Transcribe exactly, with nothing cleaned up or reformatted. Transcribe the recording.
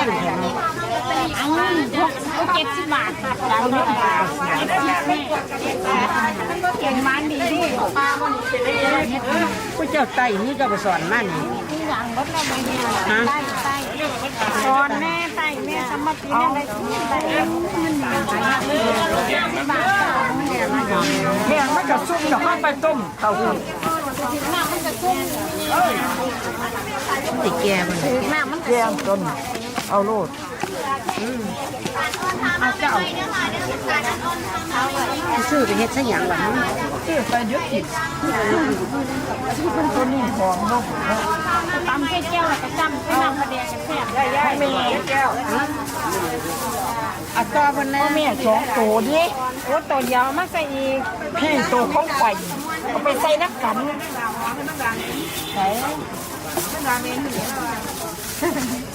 นแถมเอาพวกเจ็ดสิบบาทค่ะร้านเท่าไหร่เจ็ดสิบแม่มันก็เก่งมันดีดิปลาวันนี้เป็นได้เยอะผู้เจ้าไต่นี่เจ้าไปสอนมันที่หลังรถเราไปเนี่ยไต่ไต่สอนแม่ไต่แม่สมัครปีนี้ได้ที่ไต่มันหนาบาทเนี่ยมาแม่มันจะซุ่มจะข้าไปต้มเต้าหู้หน้ามันจะชุ่มติแก่มันหน้ามันแก่ต้นเอาโลดเอาเจ้าซื้อไปเฮ็ดซะหยังล่ะฮะซื้อไปเยอะกินมันตัวนี้หอมเนาะตำแก้วแล้วก็จำให้นำมาแดงกันแซ่บไม่มีแก้วอัตราวันนั้นแม่สองตัวดิโอ้ตัวยาวมากใส่อีกพี่ตัวเขาไข่เอาไปใส่น้ำกันใส่